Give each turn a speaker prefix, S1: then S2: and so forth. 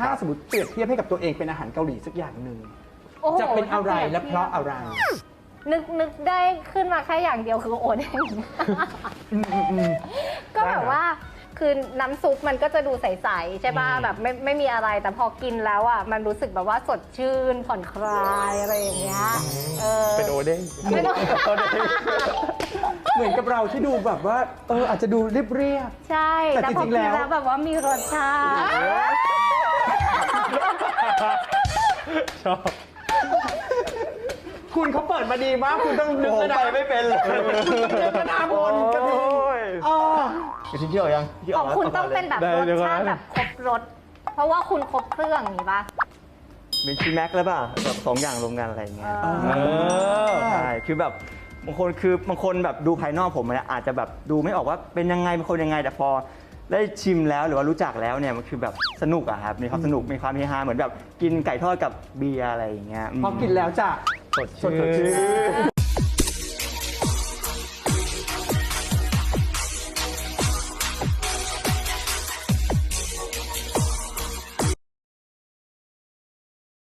S1: ถ้าสมมติเปรียบเทียบให้กับตัวเองเป็นอาหารเกาหลีสักอย่างหนึ่ง
S2: โอ้โห
S1: จะเป็นอะไรและเพราะอะไร
S2: นึกได้ขึ้นมาแค่อย่างเดียวคือโอเด้งก็แบบว่าคือน้ำซุปมันก็จะดูใสๆใช่ป่ะแบบไม่มีอะไรแต่พอกินแล้วอ่ะมันรู้สึกแบบว่าสดชื่นผ่อนคลายอะไรอย่างเงี้ย
S3: เป็นโอเด้ง
S2: ไม่ต้อง
S1: เหมือนกับเราที่ดูแบบว่าอาจจะดูเรียบ
S2: ใช่
S1: แต่
S2: แต่
S1: จ
S2: พอ
S1: ริงๆ
S2: กิน
S1: แล้ว
S2: แล้วแบบว่ามีรสชาติ
S3: ชอบ
S1: คุณเขาเปิดมาดีมากคุณต้องนึก
S3: ผม
S1: นะ
S3: ไปไม่เป็นเลย
S1: นึกนาบนกระทิง
S3: โอ้ยกระทิงที่ออกยังที่
S2: ข
S3: อ
S2: อ
S3: อง กแล้ว
S2: คุณต้องเป็นแบบ
S3: ได้
S2: รส
S3: เดี๋ยวก่อน
S2: ชาติแบบครบรสเพราะว่าคุณครบเครื่องอย่างนี้ป่ะ
S3: เป็นชีแม็กแล้วป่ะแบบ2 อย่างรวมกันอะไรอย่างเงี้ย ใช่คือแบบบางคนแบบดูภายนอกผมเนี่ยอาจจะแบบดูไม่ออกว่าเป็นยังไงเป็นคนยังไงแต่พอได้ชิมแล้วหรือว่ารู้จักแล้วเนี่ยมันคือแบบสนุกอะครับมีความสนุกมีความเฮฮาเหมือนแบบกินไก่ทอดกับเบียร์อะไรอย่างเงี้ย
S1: พอกินแล้วจะ
S3: สดชื่น